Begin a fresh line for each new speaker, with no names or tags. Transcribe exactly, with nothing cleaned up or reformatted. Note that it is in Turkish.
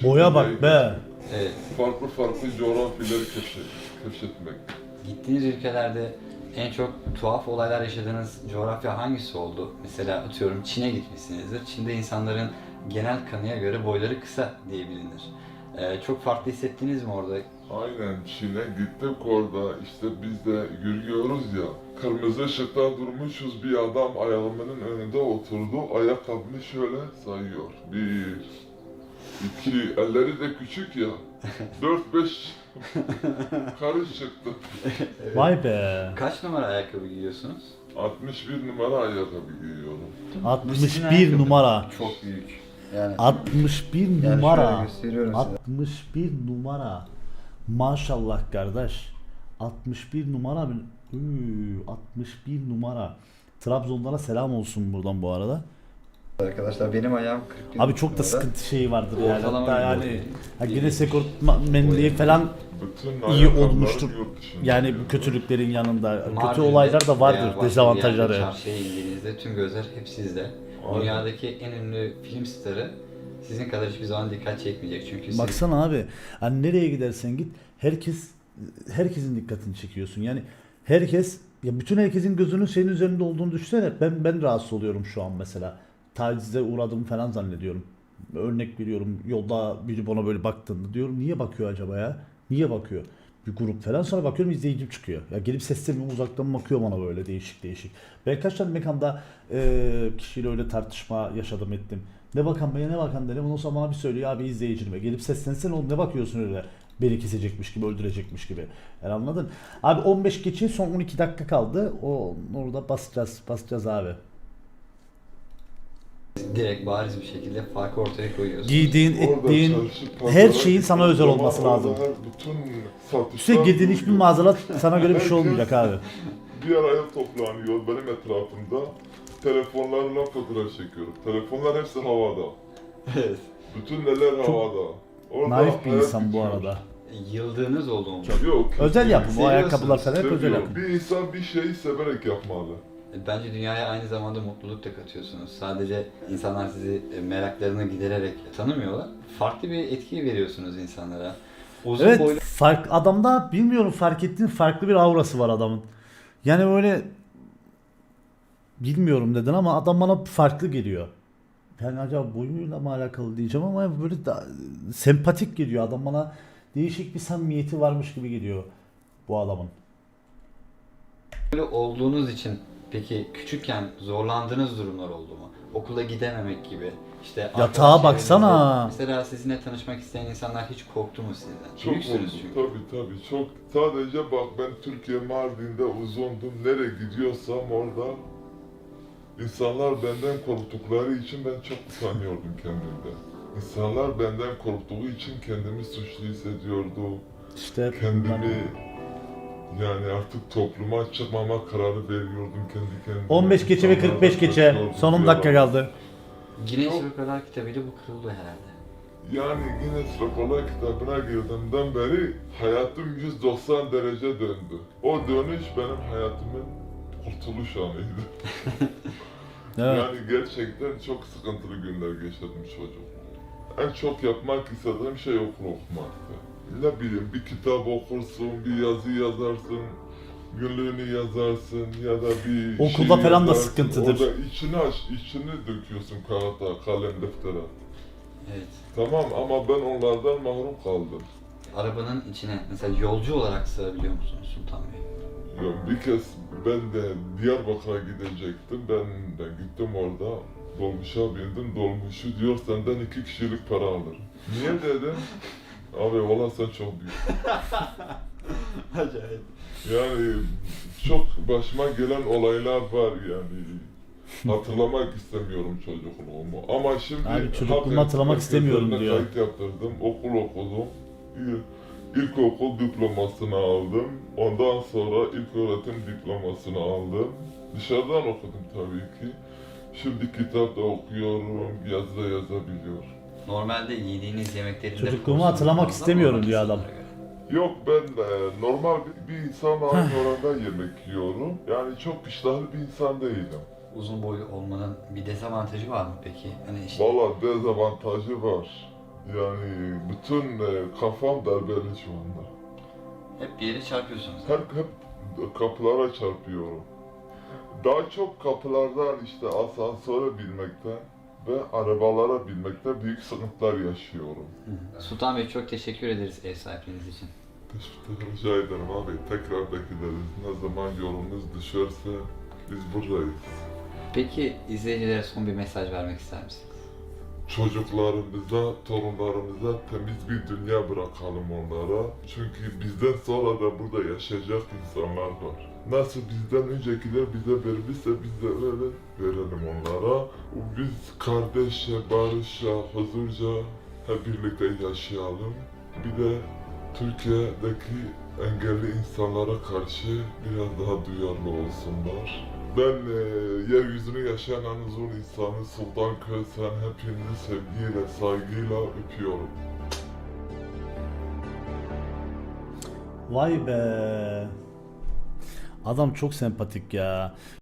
Boya bak be.
Evet.
Farklı farklı coğrafyaları keşfet, keşfetmek.
Gittiğiniz ülkelerde en çok tuhaf olaylar yaşadığınız coğrafya hangisi oldu? Mesela atıyorum Çin'e gitmişsinizdir. Çin'de insanların genel kanıya göre boyları kısa diye bilinir. Ee, çok farklı hissettiniz mi orada?
Aynen Çin'e gittik orada işte biz de yürüyoruz ya. Kırmızı ışıkta durmuşuz bir adam ayağımın önünde oturdu. Ayakkabını şöyle sayıyor. Bir, iki, elleri de küçük ya. Dört beş karış çıktı.
Vay be.
Kaç numara ayakkabı giyiyorsunuz?
altmış bir numara ayakkabı giyiyorum.
altmış bir numara.
Çok büyük. Yani
altmış bir
Yani şöyle
numara.
gösteriyorum size.
altmış bir numara. Maşallah kardeş. altmış bir numara mı? Üü, altmış bir numara. Trabzonlara selam olsun buradan bu arada.
Arkadaşlar benim ayağım kırk bir
Abi çok da
numara.
sıkıntı şeyi vardır yani.
Ortalama
Hatta
bir
yani
boy.
ha, Guinness rekortmenliği falan
Bütün
iyi
ayakkabıları
olmuştur.
yurt dışında
Yani bu
giyiyorum.
kötülüklerin yanında. Kötü
Mardin'de
olaylar da
veya
vardır,
başka bir
dezavantajları.
yerde Çarşıya indiğinizde tüm gözler hep sizde.
Aynen.
Dünyadaki en ünlü film starı sizin kadar hiçbir zaman dikkat çekmeyecek çünkü siz
Baksana abi. Hani nereye gidersen git herkes herkesin dikkatini çekiyorsun. Yani herkes ya bütün herkesin gözünün senin üzerinde olduğunu düşünsene. Ben ben rahatsız oluyorum şu an mesela. Tacize uğradığımı falan zannediyorum. Örnek veriyorum. Yolda biri bana böyle baktığında diyorum niye bakıyor acaba ya? Niye bakıyor? Bir grup falan sonra bakıyorum izleyicim çıkıyor. Ya gelip seslenmiyor uzaktan bakıyor bana böyle değişik değişik. Ben kaç tane mekanda e, kişiyle öyle tartışma yaşadım ettim. Ne bakan be ne bakan dedim. Ondan sonra bana bir söylüyor abi izleyicime. Gelip seslensene oğlum ne bakıyorsun öyle. Beni kesecekmiş gibi öldürecekmiş gibi. Yani anladın? Abi on beş geçe son on iki dakika kaldı. O orada basacağız basacağız abi.
direkt bariz bir şekilde farkı ortaya koyuyorsunuz.
Giydiğin,
Orada
ettiğin
çarşı, pazara
her şeyin sana
gittiğin
özel
zaman
olması
orada
lazım.
her bütün satışlar
İşte girdiğin hiçbir
duruyor.
mağazalar sana göre bir şey olmayacak abi.
Bir araya toplanıyor benim etrafımda. Telefonlarla fotoğraf çekiyorum. Telefonlar hepsi havada.
Evet.
Bütün neler
Çok
havada. Orada
Naif bir
hayat
insan bu
bitiyor.
arada.
Yıldığınız oldu mu?
Yok.
Özel yapım. O
Seviyorsunuz,
ayakkabılar falan hep özel
Seviyor.
yapım.
Bir insan bir şeyi severek yapmalı.
Bence dünyaya aynı zamanda mutluluk da katıyorsunuz. Sadece insanlar sizi e, meraklarını gidererek tanımıyorlar. Farklı bir etki veriyorsunuz insanlara. Uzun
Evet
boylu
fark adamda bilmiyorum fark ettiğin farklı bir aurası var adamın. Yani böyle bilmiyorum neden ama adam bana farklı geliyor. Yani acaba boyuyla mı alakalı diyeceğim ama böyle da, sempatik geliyor adam bana değişik bir samimiyeti varmış gibi geliyor bu adamın.
olduğunuz için peki küçükken zorlandığınız durumlar oldu mu? Okula gidememek gibi. İşte
Yatağa
arkadaş
baksana.
çevrenizde, mesela sizinle tanışmak isteyen insanlar hiç korktu mu sizden?
Çok
Büyüksünüz
oldu.
çünkü.
Tabii tabii. Çok. Sadece bak ben Türkiye Mardin'de uzundum. Nereye gidiyorsam orada insanlar benden korktukları için ben çok utanıyordum kendimden. İnsanlar benden korktuğu için kendimi suçlu hissediyordum.
İşte
Kendimi yani artık topluma çıkmama kararı veriyordum kendi kendime.
on beş geçe ve kırk beş
İnsanlardan
geçe
kaçıyordum
son on
bir
dakika
ara.
kaldı.
Guinness
Yok.
Rekorlar kitabıyla bu kırıldı herhalde.
Yani Guinness Rekorlar kitabına girdiğimden beri hayatım yüz doksan derece döndü. O dönüş benim hayatımın kurtuluş anıydı.
Evet.
Yani gerçekten çok sıkıntılı günler geçirdim çocuk. En çok yapmak istediğim şey okul okumaktı. Ne bileyim bir kitap okursun, bir yazı yazarsın, günlüğünü yazarsın ya da bir
Okulda
şey
falan da
yazarsın.
sıkıntıdır.
Orada içini aç, içini döküyorsun kağıda, kalem, deftere.
Evet.
Tamam ama ben onlardan mahrum kaldım.
Arabanın içine mesela yolcu olarak sığabiliyor musunuz Sultan Bey?
Ya bir kez ben de Diyarbakır'a gidecektim. Ben de gittim orada. Dolmuşa bindim. Dolmuşu diyor senden iki kişilik para alır. Niye dedim? Abi valla sen çok büyük.
Acayip.
Yani çok başıma gelen olaylar var yani. Hatırlamak istemiyorum çocukluğumu. Ama şimdi
Abi çocukluğumu
hak-
hatırlamak
hak
istemiyorum
üzerine
diyor.
Kayıt yaptırdım, okul okudum. İl- İlkokul diplomasını aldım. Ondan sonra ilköğretim diplomasını aldım. Dışarıdan okudum tabii ki. Şimdi kitap da okuyorum, yazı da yazabiliyorum.
Normalde yediğiniz yemeklerinde
Çocukluğumu
porsiyon
hatırlamak
fazla mı
istemiyorum
olan
diyor adam.
insanlara göre?
Yok ben e, normal bir, bir insanla aynı oranda yemek yiyorum. Yani çok iştahlı bir insan değilim.
Uzun boylu olmanın bir dezavantajı var mı peki? Hani işte
Valla dezavantajı var. Yani bütün e, kafam darbeli şu anda.
Hep bir yere çarpıyorsunuz.
Hep, hep kapılara çarpıyorum. Daha çok kapılardan işte asansöre binmekte ve arabalara binmekte büyük sıkıntılar yaşıyorum.
Sultan Bey çok teşekkür ederiz ev sahipliğiniz için.
Teşekkür rica ederim abi. Tekrar bekleriz. Ne zaman yolunuz düşerse biz buradayız.
Peki izleyicilere son bir mesaj vermek ister misiniz?
Çocuklarımıza, torunlarımıza temiz bir dünya bırakalım onlara. Çünkü bizden sonra da burada yaşayacak insanlar var. Nasıl bizden öncekiler bize vermişse biz de öyle verelim onlara. Biz kardeşçe, barışça, huzurca hep birlikte yaşayalım. Bir de Türkiye'deki engelli insanlara karşı biraz daha duyarlı olsunlar. Ben e, yeryüzünü yaşayan en uzun insanı Sultan Kösen hepinizi sevgiyle, saygıyla öpüyorum.
Vay be. Adam çok sempatik ya.